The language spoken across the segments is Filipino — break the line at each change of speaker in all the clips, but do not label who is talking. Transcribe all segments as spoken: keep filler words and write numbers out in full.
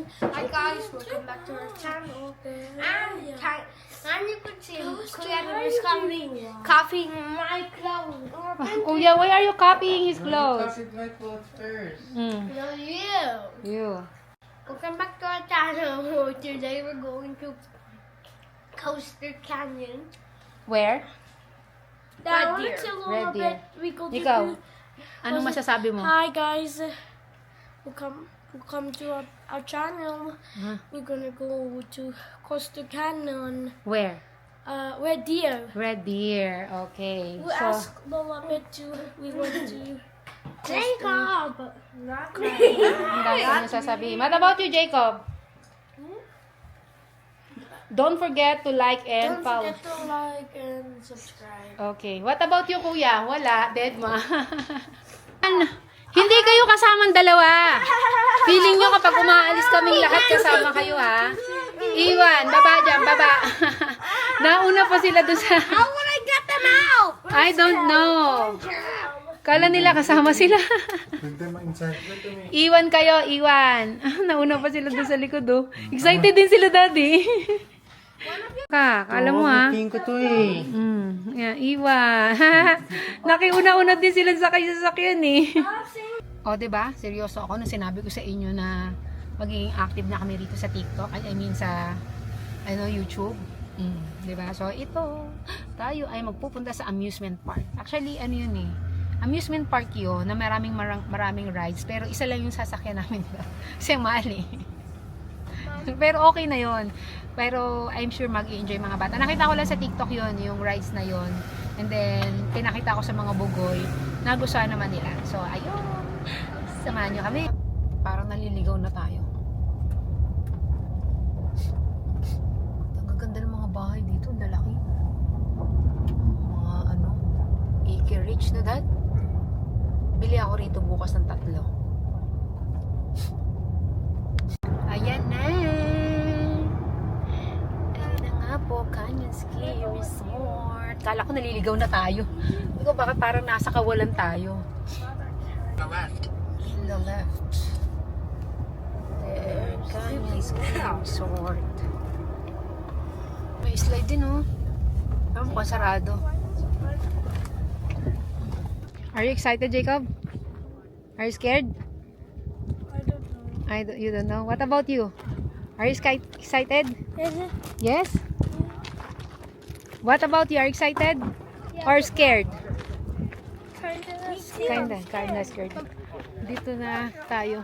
Hi guys, welcome back to our channel. And, can- and you can see Kuya is copying, copying my clothes.
Kuya, why are you copying his clothes?
Copied my clothes first.
Mm.
No, you.
You.
Welcome back to our channel. Today we're going to Coaster Canyon.
Where?
Red Deer.
Red Deer.
We go to
Ikaw,
the-
anong masasabi mo?
Hi guys, welcome welcome to our, our channel.
Huh?
We're gonna go to Coaster Canyon.
Where?
Uh, Red Deer.
Red Deer. Okay.
We
So,
asked Lola Bit to. We went to. Jacob. Not
ang dami ko nasasabihin. What about you, Jacob? Don't forget to like and
Don't
follow.
forget to like and subscribe.
Okay. What about you, kuya? Wala. Dead ma. Ano? Hindi kayo kasamang dalawa. Feeling nyo kapag umaalis kaming lahat kasama kayo, ha? Iwan. Baba dyan. Baba. Nauna pa sila doon sa...
How would I get them out?
I don't know. Kala nila kasama sila.
Put them inside. Put them in.
Iwan kayo, iwan. Nauna pa sila doon sa likod, oh. Excited din sila, daddy. Ka, kala mo, ha?
Pink ko to eh.
Mm, yeah, iwan. Nakiuna-una din sila sa kayo sa sakyan, eh. O, diba? Seryoso ako nung sinabi ko sa inyo na magiging active na kami rito sa TikTok. I mean, sa ano, YouTube. Mm, diba? So, ito, tayo ay magpupunta sa amusement park. Actually, ano yun eh. Amusement park yun na maraming marang, maraming rides. Pero isa lang yung sasakyan namin. Kasi ang mahal eh. Pero okay na yon. Pero I'm sure mag-enjoy mga bata. Nakita ko lang sa TikTok yon, yung rides na yon. And then, pinakita ko sa mga bugoy. Nagustuhan naman nila. So, ayun. Samahan nyo kami. Parang naliligaw na tayo. Ang gaganda ng mga bahay dito. Ang lalaki. Mga ano, acre rich na dad. Bili ako rito bukas ng tatlo. Ayan na. Ayan na nga po, Canyon Ski Resort. Kala ko naliligaw na tayo. Hindi ko bakit parang nasa kawalan tayo.
The left.
In the left. There, Canyon Ski Resort. May slide din, oh. Pero mukhang sarado. Are you excited, Jacob? Are you scared?
I don't know.
I don't, you don't know. What about you? Are you sky- excited?
Is it?
Yes? What about you? Are you excited? Or scared?
Kinda.
Kinda, kinda scared. Dito na tayo.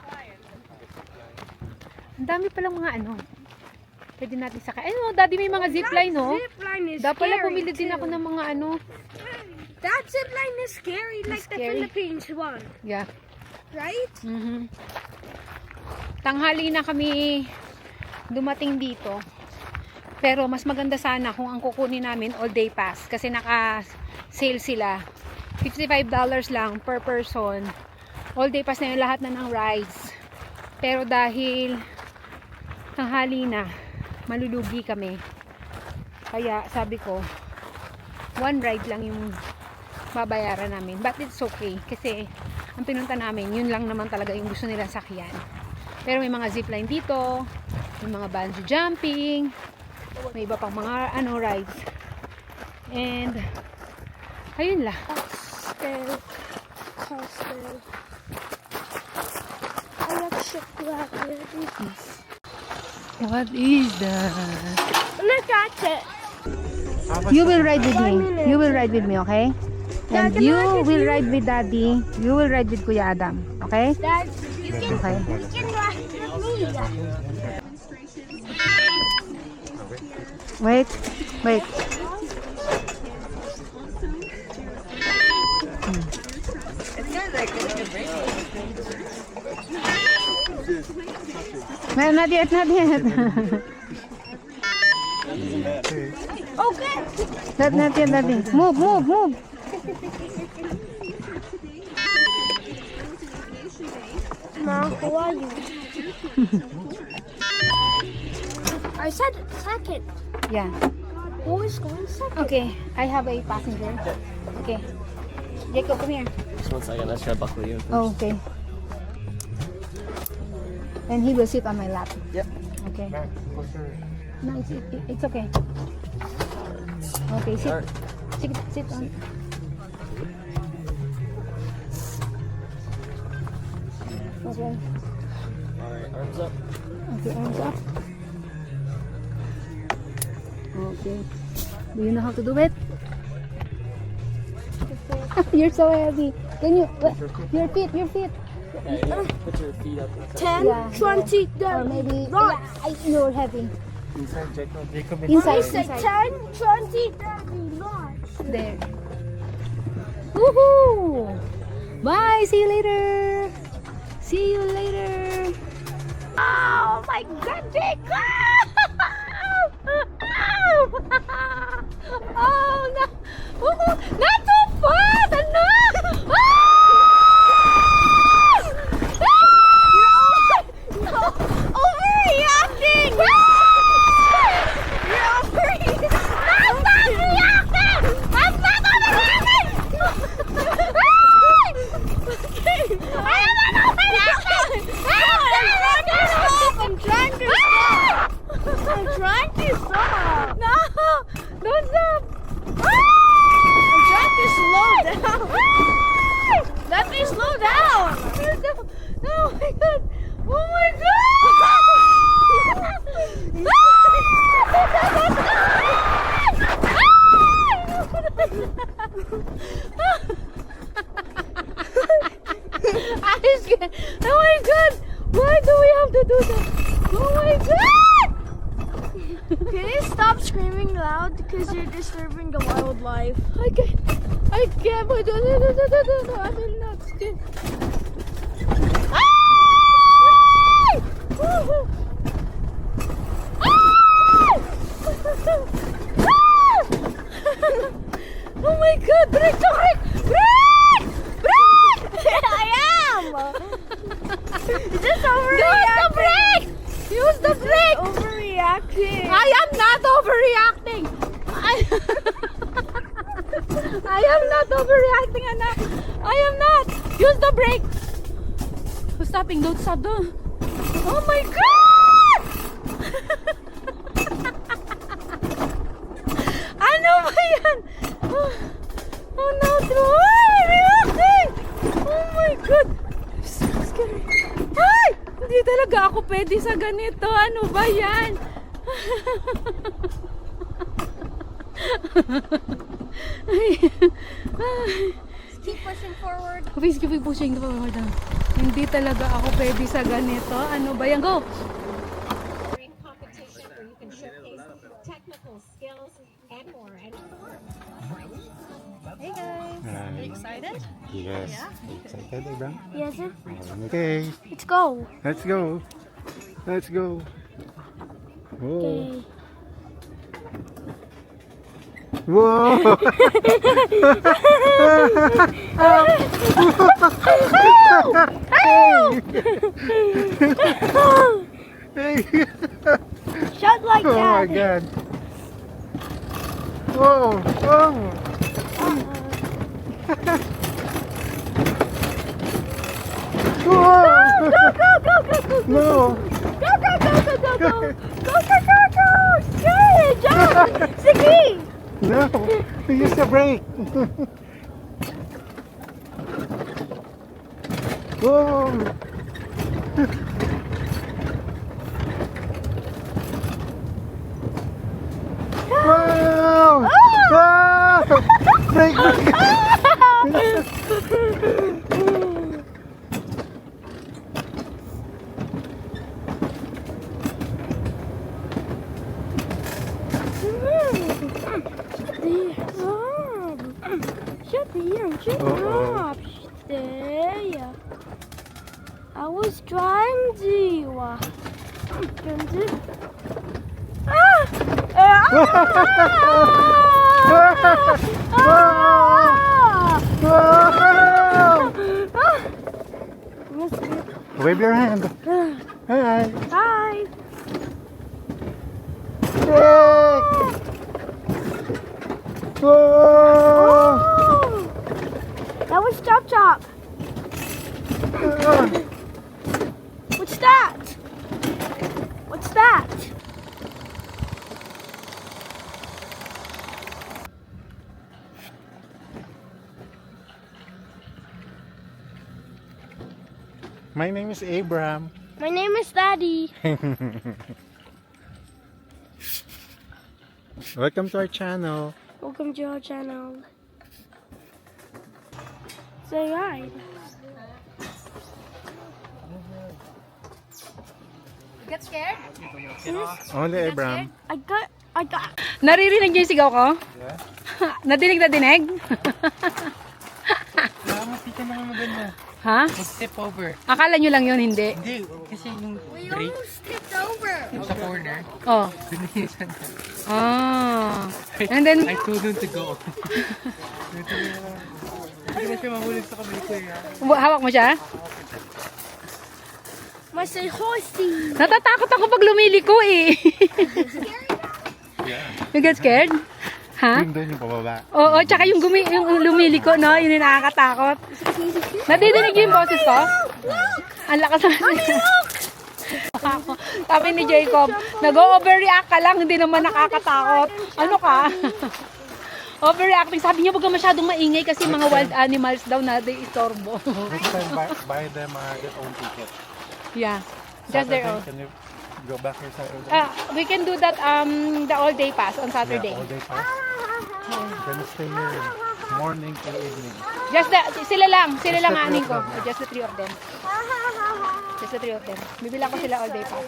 Ang dami palang mga ano. Pwede natin sakay. Ay, no, daddy, may mga zipline, no?
Zipline is
Dapat pala
scary,
bumili din
too.
ako ng mga ano.
That zipline is scary, like
scary.
the Philippines one,
Yeah.
right?
Mhm. Tanghali na kami dumating dito. Pero mas maganda sana kung ang kukunin namin all day pass kasi naka-sale sila. fifty-five dollars lang per person. All day pass na yung lahat na ng rides. Pero dahil tanghali na, malulugi kami. Kaya sabi ko, one ride lang yung babayaran namin. But it's okay kasi ang pinunta namin, yun lang naman talaga yung gusto nilang sakyan. Pero may mga zipline dito, may mga bungee jumping, may iba pang mga ano rides. And ayun lang.
Coaster, coaster. I like chocolate.
What is that?
Look at it.
You will ride with me. You will ride with me, okay? And
Dad, can I
you
ride with
will
you?
ride with Daddy. You will ride with Kuya Adam, okay?
Dad, you can,
Okay.
you can ride with me.
Wait, wait. No, not yet, not yet.
Okay.
Not, not yet, not yet. Move, move, move.
Mom, who are you? I said second.
Yeah.
Who is going second?
Okay, I have a passenger. Okay. Jacob, come here.
Just one second, let's try to buckle you.
Oh, okay. And he will sit on my lap.
Yep.
Okay.
Back. Closer.
No, it's, it, it's okay. Okay, sit.
Alright.
Sit, sit on. Okay.
Alright, arms up.
Okay, arms up. Okay. Do you know how to do it? You're so heavy. Can you, what? Your feet, your feet.
Put your feet up
ten,
Yeah,
twenty,
Or maybe,
Right.
yeah, I- you're heavy.
inside, Jacob. Jacob
Inside,
Say
inside.
ten, twenty, thirty, launch.
There. Woohoo! Bye! See you later! See you later! Oh my god, Jacob! Oh no! Woohoo! Not too fast! Ano? Ah! Ah! Overreacting! You're overreacting! I'm not reacting! I'm not overreacting! I am not overreacting!
I'm trying to stop. I'm trying to stop.
No! Don't stop!
I'm trying to slow down. Let me slow down.
Oh my god! Oh my god! I was scared. Oh my god! Why do we have to do that? Oh my god!
Can you stop screaming loud because you're disturbing the wildlife?
I can't. I can't. No, no, no, no, no, no, no. I will not skip. Ah! Woohoo! Ah! Oh my god! Brake! Brake! Brake! Brake!
I am. Is this
Use the
overreacting?
brake! Use the brake!
Overreacting.
I am not overreacting. I, I am not overreacting, anak. I am not. Use the brake. Who's stopping? Don't stop. Don't. Oh my god! Ano ba yan? Oh, oh no, overreacting! Oh my god! So scary. Ay! Hindi talaga ako pwede sa ganito. Ano ba yan? Ay. Ay.
Keep pushing forward.
Please keep pushing the forward. Hindi talaga ako pwede sa ganito. Ano ba yan? Go!
competition where you can showcase technical skills and more. And
Hey guys.
Are you excited? Yes. Are you excited, Abraham?
Yes, sir.
Okay.
Let's go.
Let's go. Let's go. Whoa. Whoa. Hey.
Shut like
Oh my
that.
god. Whoa. Whoa. Whoa.
Go, go, go, go, go, go.
No.
Go, go, go, go, go, go. Go, go, go, go. Sige, jump. Sige.
No. Use the brake. Whoa. Wow. Ah. Brake, brake.
Shut the shut
Uh-oh.
up. Stay. I was trying to. uh, trying to- Ah! Ah! Ah! Ah!
Wave your hand. Hi.
Hi.
Brake. Whoa.
Oh, that was Chop Chop. What's that?
My name is Abraham.
My name is Daddy.
Welcome to our channel.
Welcome to our channel. Say hi.
Get scared?
Only Abraham.
I got, I got.
Naririnig niyo yung sigaw ko?
Yeah.
Nadinig na dinig?
Salamat, di ka naman maganda.
Ha?
Mag-step over.
Akala nyo lang yun, hindi?
Hindi, kasi yung
We
break
almost tipped over.
yung sa corner,
Oh.
dunisan ka.
Ah. And then,
I told him to go. Hindi na siya mahulog sa kamay ko eh.
hawak mo siya?
My say horsey.
Natatakot ako pag lumiliko eh. You get scared? Ha?
Yung doon yung pababa.
Oo, tsaka yung, gumi, yung lumiliko, no? Yun yung nakakatakot. Nadidinig niyo yung boses ko? Ang lakas naman. Ako. Sabi ni Jacob, nag-overreact ka lang, hindi naman nakakatakot. Ano ka? Overreacting. Sabi niya, huwag ka masyadong maingay kasi mga wild animals daw na di istorbo.
Next time, buy, buy them uh, their own ticket.
Yeah. Just their own.
Can you go back here Saturday?
Ah, we can do that um the all day pass on Saturday.
Yeah, all day pass. We're gonna stay here morning till evening.
Just the, sila lang, sila
Just
lang
the three
aning
of
ko.
them.
Just the three of them. Just the three of them. Bibilang ko sila all day pass.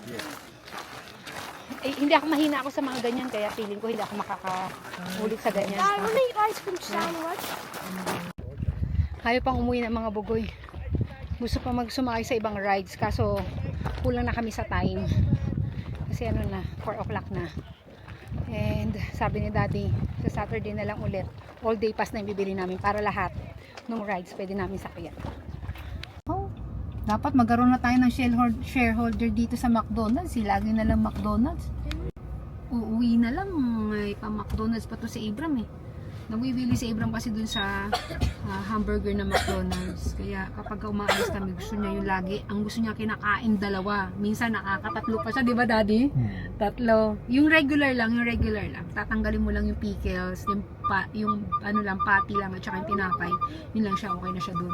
Eh, hindi ako mahina ako sa mga ganyan kaya feeling ko hindi ako makakaulit sa ganyan.
I want to eat ice cream sandwich.
Ayaw pang umuwi ng mga bugoy. Gusto pa magsumakay sa ibang rides kaso kulang na kami sa time. Kasi ano na, four o'clock na. And sabi ni Daddy, sa Saturday na lang ulit, all day pass na yung bibili namin para lahat ng rides pwede namin sakyan. Oh, dapat magkaroon na tayo ng shareholder, shareholder dito sa McDonald's. Si lagi na lang McDonald's. Uuwi na lang, may pa McDonald's pa to si Abram eh. Nagwibili si Abram kasi dun sa uh, hamburger na McDonald's. Kaya kapag umaalis kami, gusto niya yung lagi. Ang gusto niya kinakain dalawa. Minsan nakakatatlo pa siya, di ba Daddy? Tatlo. Yung regular lang, yung regular lang. Tatanggalin mo lang yung pickles, yung, pa, yung ano lang, patty lang, at saka yung tinapay. Yun lang siya, okay na siya dun.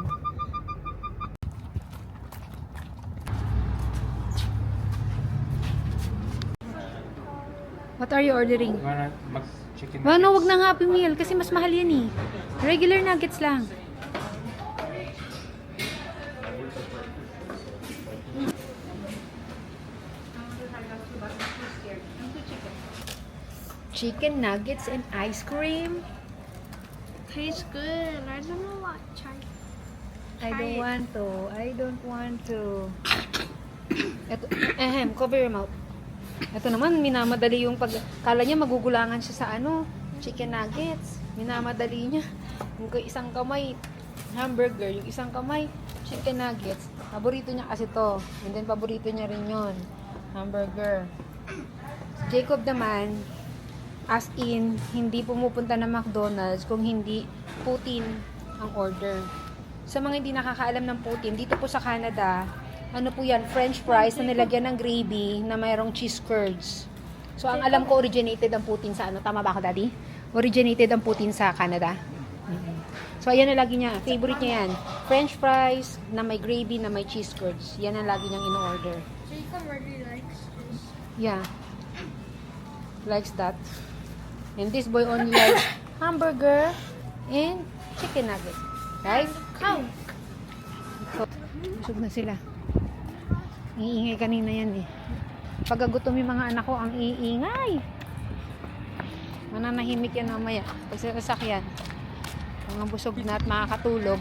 What are you ordering?
Mag-chicken
Ano, wag na Happy Meal kasi mas mahal yan eh. Regular nuggets lang. Chicken nuggets and ice cream.
Tastes good. I don't know what. Try.
I don't want to. I don't want to. Ito, ahem, cover your mouth. Ito naman, minamadali yung pag... Kala niya magugulangan siya sa ano, chicken nuggets. Minamadali niya. Yung isang kamay, hamburger. Yung isang kamay, chicken nuggets. Paborito niya kasi to. And then, paborito niya rin yon, hamburger. Jacob naman, as in, hindi pumupunta na McDonald's kung hindi Putin ang order. Sa mga hindi nakakaalam ng Putin, dito po sa Canada, ano po yan, French fries na nilagyan ng gravy na mayroong cheese curds. So, ang alam ko, originated ang Putin sa ano, tama ba ako, Daddy? Originated ang Putin sa Canada. Mm-hmm. So, ayan na lagi niya. Favorite niya yan. French fries na may gravy na may cheese curds. Yan ang lagi niyang in-order.
Jacob really likes this.
Yeah. Likes that. And this boy only likes hamburger and chicken nuggets. Right?
Cow.
So, busog na sila. Iingay kanina yan eh. Pagkagutom yung mga anak ko, ang iingay. Mananahimik yan mamaya. Pag sa sasakyan, mga busog na at makakatulog.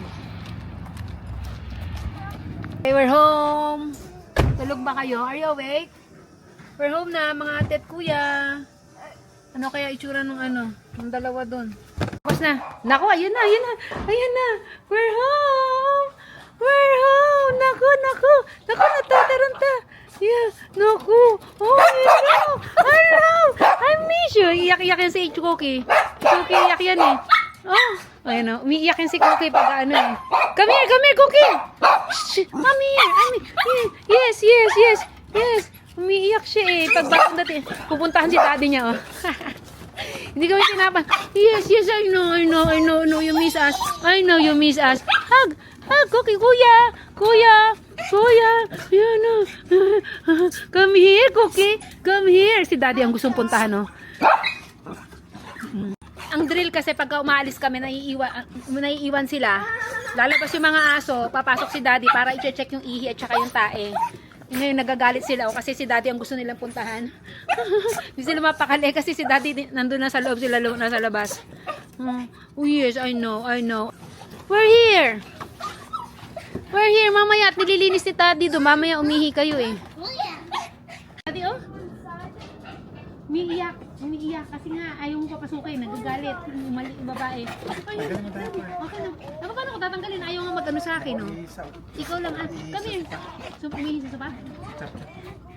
Okay, we're home. Tulog ba kayo? Are you awake? We're home na, mga ate at kuya. Ano kaya itsura ng ano? Ng dalawa doon. Tapos na. Naku, ayun na, ayun na. Ayun na. We're home. We're home. Naku, naku. Naku, natataranta. Yeah. Naku. Oh, hello. Hello. I miss you. Iyak-iyak yan si Cookie. Cookie, iyak yan eh. Oh. Ayun o. Umiiyak yan si Cookie pag ano eh. Come here, come here, Cookie. Shh, come here. I mean, yes, yes, yes. Yes. Umiiyak siya eh. Pag bakit natin, pupuntahan si daddy niya oh. Hindi kami sinapan. Yes, yes, I know, I know, I know, I know you miss us. I know you miss us. Hug, hug, Cookie, kuya, kuya, Kuya, yan na. Come here, Cookie. Come here. Si Daddy ang gustong puntahan, no? Ang drill kasi pagka umaalis kami, naiiwan, naiiwan sila. Lalabas yung mga aso, papasok si Daddy para i-check yung ihi at saka yung tae. Ngayon nagagalit sila o kasi si Daddy ang gusto nilang puntahan. Hindi sila mapakali kasi si Daddy nandun na sa loob, sila lo- nasa labas. Hmm. Oh yes, I know, I know. We're here. We're here, mamaya at nililinis ni Daddy do. Mamaya umihi kayo eh. Daddy, oh. Umiiyak. Umiiyak kasi nga ayaw mo papasukin. Nagagalit. Mali yung babae. Ay, okay na. Ako paano ko tatanggalin? Ayaw nga mag-ano sa akin, oh. Ikaw lang, ah. Come here. So, umihi sa sopa?